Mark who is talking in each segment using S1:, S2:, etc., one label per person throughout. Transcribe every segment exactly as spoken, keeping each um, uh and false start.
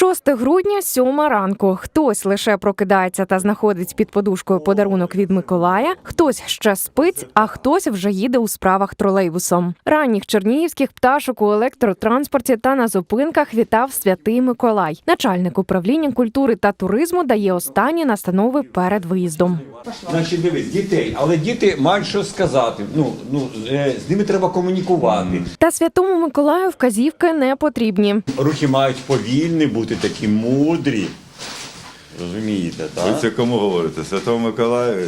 S1: шостого грудня, сьома ранку. Хтось лише прокидається та знаходить під подушкою подарунок від Миколая, хтось ще спить, а хтось вже їде у справах тролейбусом. Ранніх чернігівських пташок у електротранспорті та на зупинках вітав Святий Миколай. Начальник управління культури та туризму дає останні настанови перед виїздом.
S2: Значить, дивись, дітей, але діти мають що сказати. Ну, ну, з ними треба комунікувати.
S1: Та Святому Миколаю вказівки не потрібні.
S2: Рухи мають повільні бути, такі мудрі. Розумієте, так?
S3: Ви це кому говорите? Святому Миколаю?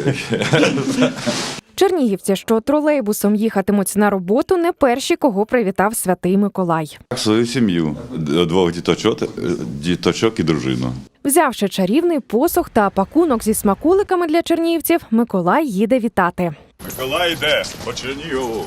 S1: Чернігівці, що тролейбусом їхатимуть на роботу, не перші, кого привітав Святий Миколай.
S3: Свою сім'ю, двох діточок, діточок і дружину.
S1: Взявши чарівний посох та пакунок зі смакуликами для чернігівців, Миколай їде вітати.
S3: Миколай йде по Чернігову.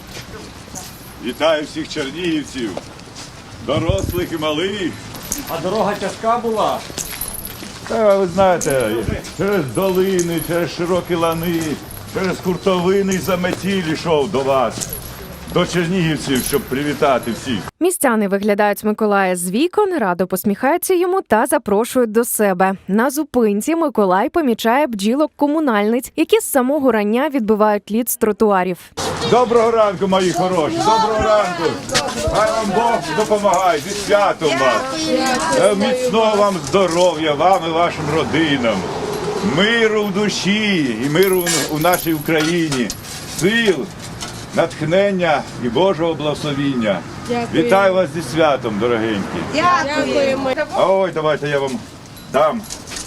S3: Вітаю всіх чернігівців, дорослих і малих.
S2: А дорога тяжка була?
S3: Та, ви знаєте, через долини, через широкі лани, через хуртовини й заметіль йшов до вас, до чернігівців, щоб привітати всіх.
S1: Містяни виглядають Миколая з вікон, радо посміхаються йому та запрошують до себе. На зупинці Миколай помічає бджілок-комунальниць, які з самого рання відбивають лід з тротуарів.
S3: Доброго ранку, мої хороші, доброго ранку. Хай вам Бог допомагає, зі святом вас. Е, Міцного вам здоров'я, вам і вашим родинам. Миру в душі і миру у нашій Україні. Сил, натхнення і Божого благословіння.
S4: Дякую.
S3: Вітаю вас зі святом, дорогенькі.
S4: Дякуємо.
S3: А ой, давайте я вам дам.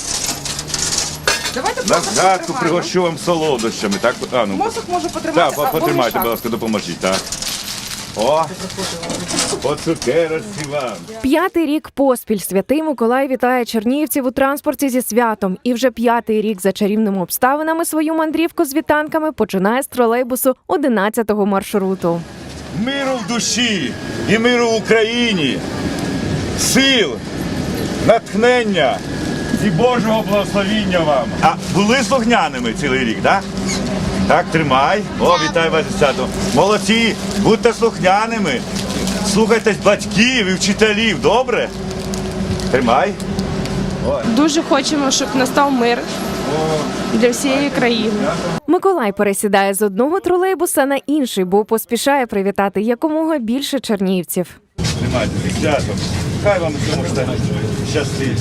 S4: Давайте
S3: На згадку пригощу вам солодощами. Так, а, ну.
S4: Мозок може потримати,
S3: Так,
S4: або
S3: потримайте,
S4: мішати.
S3: будь ласка, допоможіть, так. О, по цукерочці вам.
S1: П'ятий рік поспіль Святий Миколай вітає чернігівців у транспорті зі святом. І вже п'ятий рік за чарівними обставинами свою мандрівку з вітанками починає з тролейбусу одинадцятого маршруту.
S3: Миру в душі і миру в Україні, сил, натхнення і Божого благословіння вам. А були слухняними цілий рік, так? Так, тримай. О, вітаю вас зі святом. Молодці, будьте слухняними. Слухайтесь батьків і вчителів, добре? Тримай.
S5: Дуже хочемо, щоб настав мир для всієї країни.
S1: Миколай пересідає з одного тролейбуса на інший, бо поспішає привітати якомога більше чернігівців.
S3: Тримайте зі святом. Хай вам цьому щастить.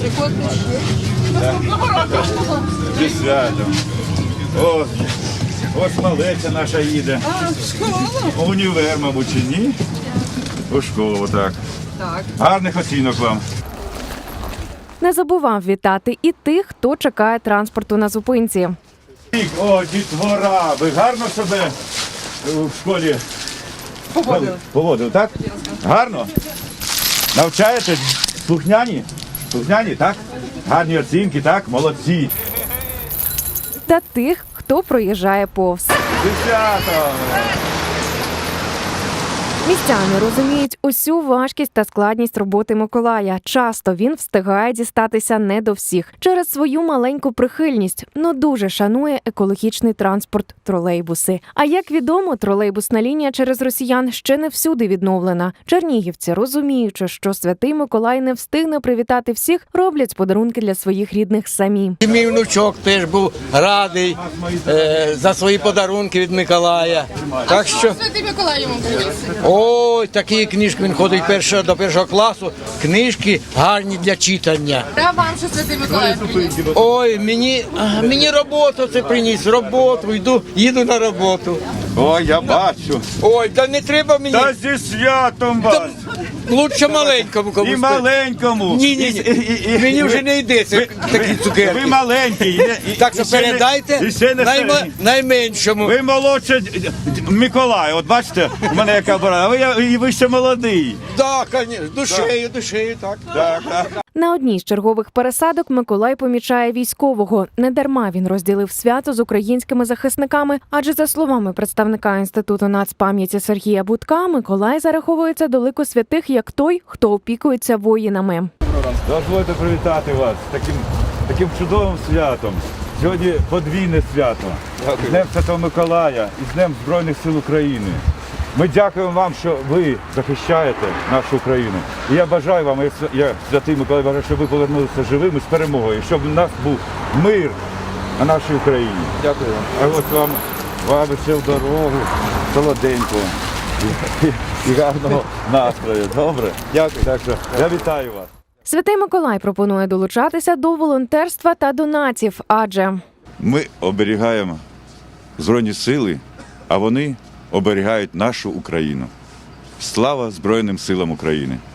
S3: Зі святом. О, ось малеця наша їде. У універ, мабуть, чи ні? У школу, так.
S4: Так.
S3: Гарних оцінок вам.
S1: Не забував вітати і тих, хто чекає транспорту на зупинці.
S3: О, дітвора, ви гарно себе в школі поводили, поводили так? Гарно? Навчаєте? Слухняні? Слухняні, так? Гарні оцінки, так? Молодці.
S1: Та тих, хто проїжджає повз.
S3: Десято!
S1: Містяни розуміють усю важкість та складність роботи Миколая. Часто він встигає дістатися не до всіх через свою маленьку прихильність, но дуже шанує екологічний транспорт – тролейбуси. А як відомо, тролейбусна лінія через росіян ще не всюди відновлена. Чернігівці, розуміючи, що Святий Миколай не встигне привітати всіх, роблять подарунки для своїх рідних самі.
S6: І мій внучок теж був радий е, за свої подарунки від Миколая. Так що,
S4: Святий Миколай йому привіз.
S6: ой, такі книжки, він ходить першого, до першого класу, книжки гарні для читання.
S4: Та вам що Святий Миколай привіз.
S6: Ой, мені, а, мені роботу це приніс, роботу, йду, їду на роботу.
S3: Ой, я бачу.
S6: Ой, та не треба мені,
S3: Та зі святом вас!
S6: лучше маленькому комусь.
S3: І маленькому.
S6: Ні, ні,
S3: І- і- і-
S6: ні, мені вже не йде це
S3: Ви-
S6: такі
S3: ви-
S6: цукерки.
S3: Ви маленький. і- і-
S6: Так що
S3: і ще не-
S6: передайте
S3: і ще не
S6: найма-
S3: середній.
S6: найменшому.
S3: Ви молодше д- д- Миколай, от бачите, у мене яка борода, а ви, я- і ви ще молодий.
S6: Так, звісно, душею, душею, так.
S3: Так, так.
S1: На одній з чергових пересадок Миколай помічає військового. Недарма він розділив свято з українськими захисниками, адже за словами представника Інституту нацпам'яті Сергія Будка, Миколай зараховується до лику святих як той, хто опікується воїнами.
S3: Дозвольте привітати вас з таким, таким чудовим святом. Сьогодні подвійне свято. З Днем Святого Миколая і з Днем Збройних сил України. Ми дякуємо вам, що ви захищаєте нашу Україну. І я бажаю вам, я, я Святий Миколай, бажаю, щоб ви повернулися живими з перемогою, щоб у нас був мир на нашій Україні. Дякую вам. А ось вам, вам ще в дорогу, солоденького і, і гарного настрою. Добре? Дякую. Так що я вітаю вас.
S1: Святий Миколай пропонує долучатися до волонтерства та донатів, адже
S3: Ми оберігаємо Збройні сили, а вони оберігають нашу Україну. Слава Збройним силам України!